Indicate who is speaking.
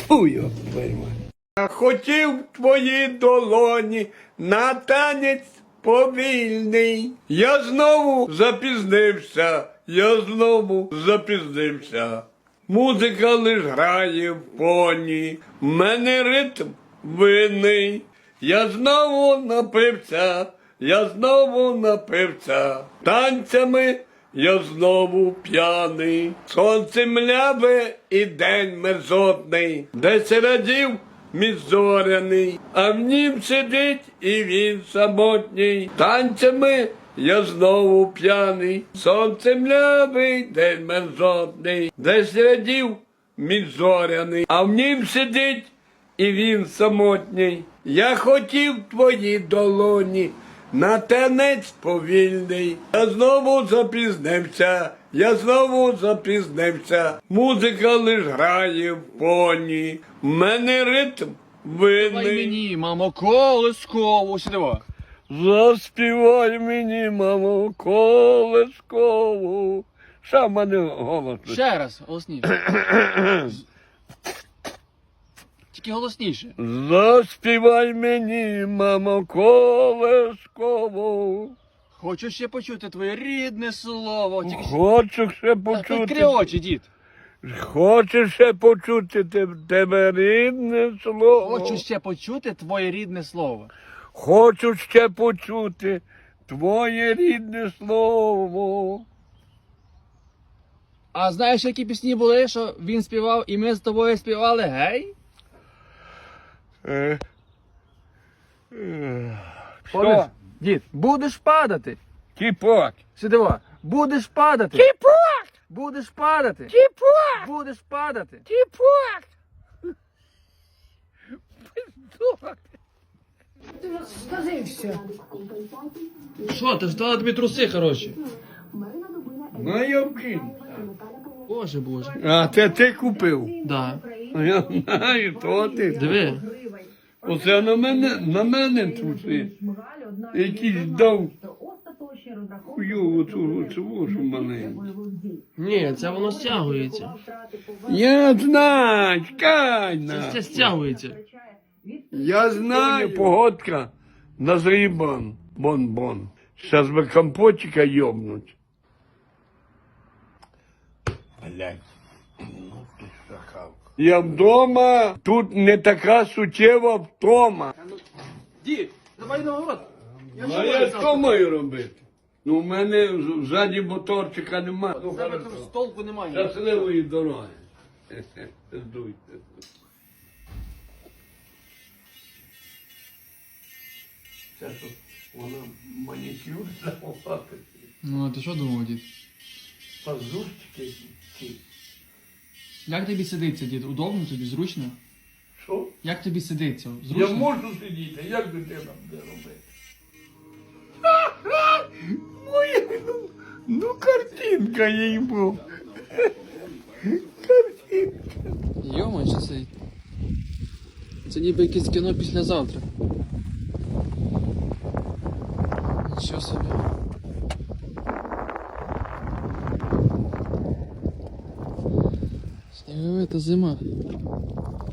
Speaker 1: Фу, його пойма. Хотів твої долоні на танець повільний. Я знову запізнився. Музика лиш грає в фоні, в мене ритм винний. Я знову напився, танцями я знову п'яний. Сонце мляве і день мерзотний, десь радів мій зоряний, а в нім сидить і він самотній. Танцями я знову п'яний, сонце млявий, день мерзотний, десь радів мій зоряний, а в нім сидить і він самотній. Я хотів твої долоні на танець повільний. Я знову запізнився. Музика лиш грає в фоні, в мене ритм
Speaker 2: Давай
Speaker 1: винний.
Speaker 2: мені, мамо, колискову, сюди.
Speaker 1: Заспівай мені, мамо, колискову. Що в мене голос?
Speaker 2: Ще раз, голосніше. Тільки голосніше.
Speaker 1: Заспівай мені, мамо, колискову.
Speaker 2: Хочу ще почути твоє рідне слово. Тільки...
Speaker 1: Хочу ще
Speaker 2: Відкрий
Speaker 1: почути.
Speaker 2: очі, дід.
Speaker 1: Хочу ще почути тебе рідне слово.
Speaker 2: Хочу ще почути твоє рідне слово.
Speaker 1: Хочу ще почути твоє рідне слово.
Speaker 2: А знаєш, які пісні були, що він співав і ми з тобою співали, гей?
Speaker 1: Що?
Speaker 2: Дід, будеш падати.
Speaker 1: Кіпок.
Speaker 2: Сюди. Будеш падати.
Speaker 1: Кіпок!
Speaker 2: Будеш падати.
Speaker 1: Кіпок!
Speaker 2: Будеш падати.
Speaker 1: Кіпок!
Speaker 3: Скажи все.
Speaker 2: Що, ти ж дала тобі труси, хороші.
Speaker 1: Ну, я вкину.
Speaker 2: Боже, боже.
Speaker 1: А це ти купив?
Speaker 2: Да.
Speaker 1: А я знаю, то ти.
Speaker 2: Диви.
Speaker 1: Оце на мене труси. Якийсь дав хуйову цю що маленьку.
Speaker 2: Ні, це воно стягується.
Speaker 1: Я знаю, чекай
Speaker 2: Це стягується.
Speaker 1: Я знаю, погодка назрій бон. Сейчас би компотика йобнуть. Блядь, ну ти шахавка. Я вдома, тут не така суттєва втома.
Speaker 2: Дід, давай на город.
Speaker 1: А я що маю робити? Ну, в мене ззаді моторчика немає. Ну,
Speaker 2: Тебе
Speaker 1: хорошо.
Speaker 2: тут толку немає.
Speaker 1: Щасливої дороги. Здуйте. Це тут вона манікюр захопати.
Speaker 2: Ну, а ти що думав, дід?
Speaker 1: Пазурчики ці.
Speaker 2: Як тобі сидиться, дід? Удобно тобі, зручно?
Speaker 1: Що?
Speaker 2: Як тобі сидиться? Зручно?
Speaker 1: Я можу сидіти, як дитина буде робити? Моя, ну картинка їй був. Картинка.
Speaker 2: Йома, що це? Це ніби якесь кіно післязавтра. Нічого собі. Сніговита зима.